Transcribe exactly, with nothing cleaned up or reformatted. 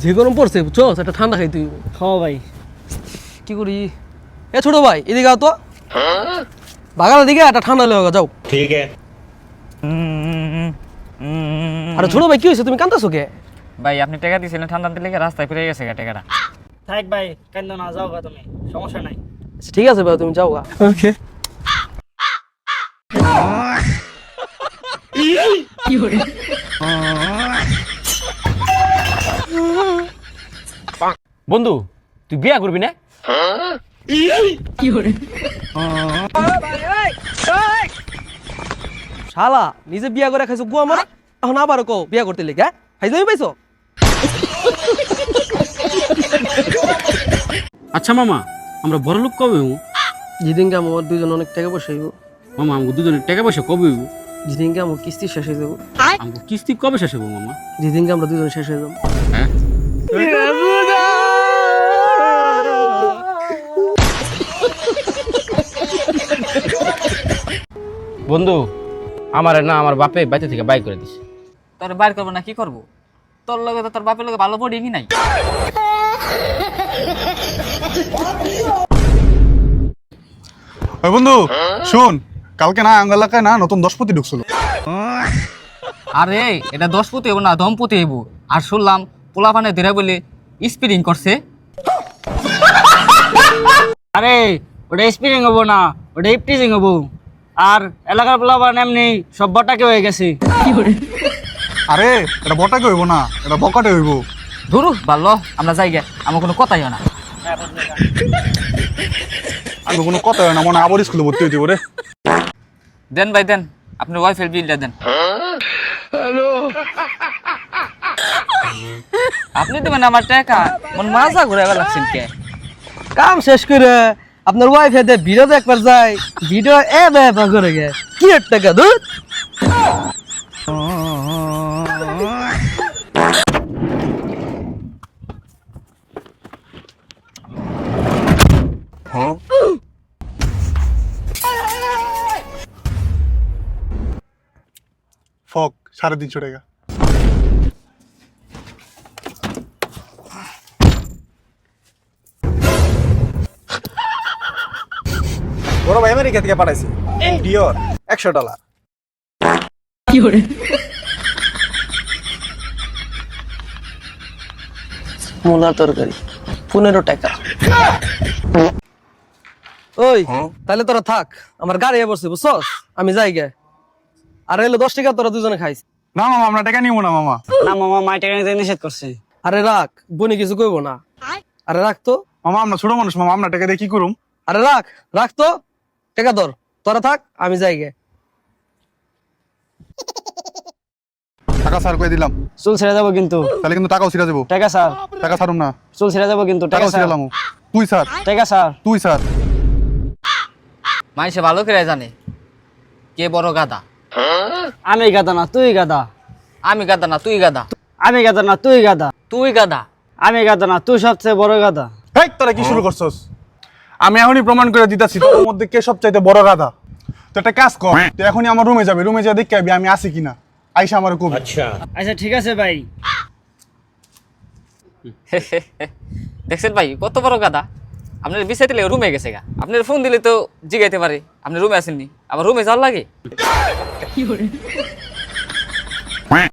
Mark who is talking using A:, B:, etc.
A: যে গরম পড়ছে বুঝছো একটা ঠান্ডা খাই তুই।
B: হ্যাঁ ভাই।
A: কি করি এ ছোট ভাই এদিকে আও তো বাগানের দিকে একটা ঠান্ডা লেগে যাও।
C: ঠিক আছে।
A: আরে ছোট ভাই কি হয়েছে তুমি কান্দাছো কে?
D: ভাই আপনি টাকা দিয়েছিলেন ঠান্ডা দিলে রাস্তায় ফিরে গেছে গা টাকাটা।
B: থাক ভাই কান্দো না, যাও গা তুমি, সমস্যা নাই।
A: আচ্ছা, ঠিক আছে ভাই তুমি যাও গা।
B: ওকে।
D: বন্ধু তুই বিয়া করবি না?
A: শালা নিজে বিয়া করে খাইছো গুয়া মারা, এখন আবার কো বিয়া করতে লেগে হ্যাঁ ফাইজলামি পাইছো?
E: আচ্ছা মামা আমরা বড় লোক কবে হইব?
A: যেদিনকে আমার দুইজন অনেক টাকা পয়সা হইব,
E: মামা আমাকে দুজনের টাকা পয়সা কবে হইব?
A: যেদিনকে আমার কিস্তি শেষ হয়ে যাবো,
E: আমাকে কিস্তি কবে শেষ হইব মামা?
A: যেদিনকে আমরা দুজন শেষ হয়ে যাবো।
E: হ্যাঁ
D: বন্ধু
E: আমার না আমার বাপে বাইতে থেকে বাই করে দিছে।
D: তোর বাইর করবো না কি করবো? তোর লগে তো তোর বাপের লগে ভালো পড়িনি নাই।
F: ওই বন্ধু শুন, কালকে না আঙ্গ এলাকায় না নতুন দশপতি ঢুকছিল।
D: আরে এটা দশপতি হইব না দম্পতি হইব। আর শুনলাম পোলাপানে ধীরে বলে স্পিরিং করছে।
B: আরে ওটা স্পিরিং হবো না, ওটা ইপটিজিং হবো। আর এলাকার পোলাপান এমনি সব বটাকে হয়ে গেছে।
F: আরে এটা বটাকে হইব না, এটা বকাটে হইব।
D: ধরু ভালো আমরা যাই গে, আমার কোনো কথাই হয় না।
F: আমি কোনো কথা হয় না, মনে হয় আবার স্কুলে ভর্তি হইতে রে।
D: দেন ভাই দেন, আপনি ওয়াইফের বিলটা দেন। আপনি দেবেন আমার টাকা, মন মাজা ঘুরে লাগছেন কে?
A: কাম শেষ করে আপনার ওয়াইফ এতে ভিডিও একবার যায়, ভিডিও এ ব্যাপার করে গে কি এর টাকা দুধ।
F: ফক সাড়ে তিনশো টাকা।
G: বড় ভাই আমেরিকা থেকে পাঠাইছি ডিওর একশো ডলার।
A: মূলার তরকারি পনেরো টাকা। ওই তাহলে তোরা থাক, আমার গাড়ি বসছে বুঝছস, আমি যাই গে। আর এলো দশ টাকা তোরা দুজনে খাইস।
F: না মামা আমরা টাকা নিব না মামা।
B: না মামা মাই টাকা নিতে নিষেধ করছে।
A: আরে রাখ, বনি কিছু কইব না। আরে রাখ তো
F: মামা আমরা ছোট মানুষ মামা, আমরা টাকা দিয়ে কি করুম?
A: আরে রাখ রাখ তো টাকা ধর, তোরা থাক আমি যাই গে।
F: টাকা স্যার কই দিলাম,
B: চুল ছেড়ে যাবো কিন্তু।
F: তাহলে কিন্তু টাকাও ছিড়া যাবো।
B: টাকা স্যার।
F: টাকা ছাড়ুম না,
B: চুল ছেড়ে যাবো কিন্তু। টাকা
F: টাকাও
B: স্যার।
F: ছিড়ালাম। তুই স্যার,
B: টাকা স্যার।
F: তুই স্যার।
D: মানুষে ভালো করে জানে কে বড় গাদা।
B: আমি গাদা না তুই গাদা।
D: আমি গাদা না তুই গাদা।
B: আমি গাদা না তুই গাদা।
D: তুই গাদা।
B: আমি গাদা না তুই সবচেয়ে বড় গাদা।
F: হেই তোরা কি শুরু করছস? আমি এখনই প্রমাণ করে দিতাছি তোর মধ্যে কে সবচাইতে বড় গাধা। তো একটা কাজ কর, তুই এখনই আমার রুমে যাবি, রুমে যা দেখে আবি আমি আছি কিনা। আইসা আমার কবি।
C: আচ্ছা
B: আচ্ছা ঠিক আছে ভাই।
D: দেখছেন ভাই কত বড় গাদা? আপনার বিষয় দিলে রুমে গেছে গা, আপনার ফোন দিলে তো জিগাইতে পারে আপনি রুমে আসেননি, আবার রুমে যাওয়ার লাগে।